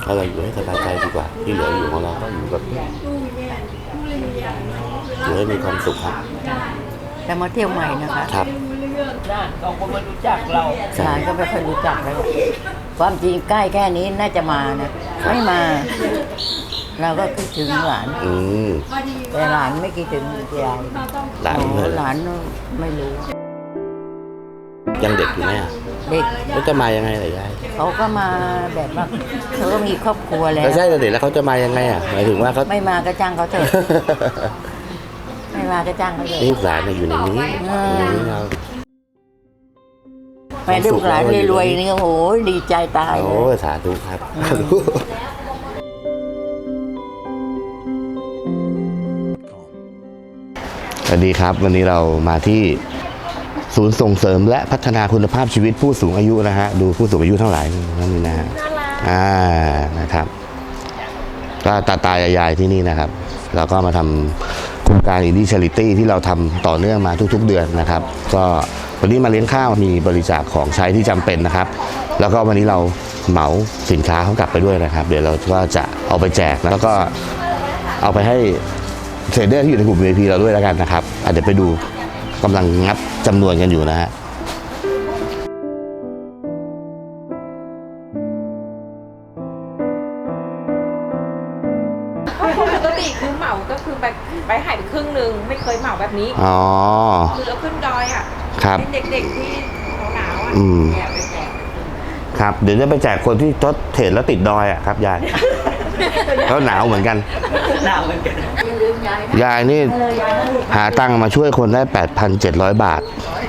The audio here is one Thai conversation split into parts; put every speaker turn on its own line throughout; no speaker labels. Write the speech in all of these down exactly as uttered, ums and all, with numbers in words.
ก็เราอยู่ให้สบายใจดีกว่าที่เหลืออยู่ของเราก็อยู่แบบอยู่ให้มีความสุขครับ
แต่มาเที่ยวใหม่นะคะ
ครับ
น่าเขาก็ไม่รู้จักเรา
หลานก็ไม่ค่อยรู้จักแล้วความจริงใกล้แค่นี้น่าจะมานะไม่มา เราก็คิดถึงหลาน
อืม
แต่หลานไม่คิดถึงยาย
หลานเลย
หลานไม่รู้
ยังเด็กอยู่ไหมอ่ะ
เด็ก
แล้วจะมายังไงล่ะยาย
เขาก็มาแบบว่าเขาก็มีครอบครัวแล้ว
ใช่แต่เด็กแล้วเขาจะมายังไงอ่ะหมายถึงว่าเขา
ไม่มาก็จ้างเขาเถอะไม่มาก็จ้างเขาเถอะ
นี่หลานอยู่ในนี้เรา
ไปลูกหลานรวยๆนี่โอ้โหดีใจตาย
โอ้สาธุครับสวัสดีครับวันนี้เรามาที่ศูนย์ส่งเสริมและพัฒนาคุณภาพชีวิตผู้สูงอายุนะฮะดูผู้สูงอายุทั้งหลายนั่นนี่นะฮะอ่านะครับก็ตาตายายที่นี่นะครับเราก็มาทำโครงการอินดี้ชาริตี้ที่เราทำต่อเนื่องมาทุกๆเดือนนะครับก็วันนี้มาเลี้ยงข้าวมีบริจาคของใช้ที่จำเป็นนะครับแล้วก็วันนี้เราเหมาสินค้าเขากลับไปด้วยนะครับเดี๋ยวเราก็จะเอาไปแจกแล้วก็เอาไปให้เทรดเดอร์ที่อยู่ในกลุ่ม วี ไอ พี เราด้วยแล้วกันนะครับเดี๋ยวไปดูกำลังงับจำนวนกันอยู่นะฮะ
ปกติคือเหมาก็คือไปไปหายไปครึ่งหนึ่งไม่เคยเหมาแบบนี้
อ๋อ
คือเราขึ้นดอยอ่ะ
ครับ
เด็กๆที่หนาวอ่ะเนี่ยไปแจก
ครับเดี๋ยวจะไปแจกคนที่ทดเทรดแล้วติดดอยอ่ะครับยายเขาหนาวเหมือนกัน
หนาวเหมือนกัน
ยายนี่หาตังค์มาช่วยคนได้ แปดพันเจ็ดร้อย บาท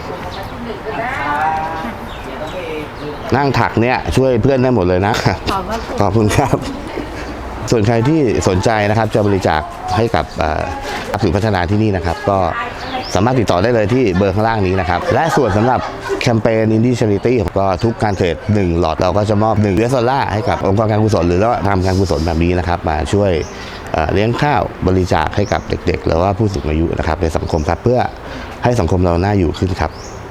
นั่งถักเนี่ยช่วยเพื่อนได้หมดเลยนะขอบคุณครับส่วนใครที่สนใจนะครับจะบริจาคให้กับศูนย์พัฒนาที่นี่นะครับก็สามารถติดต่อได้เลยที่เบอร์ข้างล่างนี้นะครับและส่วนสำหรับแคมเปญ Indie Charity ก็ทุกการเทรดหนึ่งหลอดเราก็จะมอบหนึ่งยู เอส ดอลลาร์ให้กับองค์กรการกุศลหรือว่าทำการกุศลแบบนี้นะครับมาช่วยเลี้ยงข้าวบริจาคให้กับเด็กๆหรือว่าผู้สูงอายุนะครับในสังคมครับเพื่อให้สังคมเราน่าอยู่ขึ้นครับ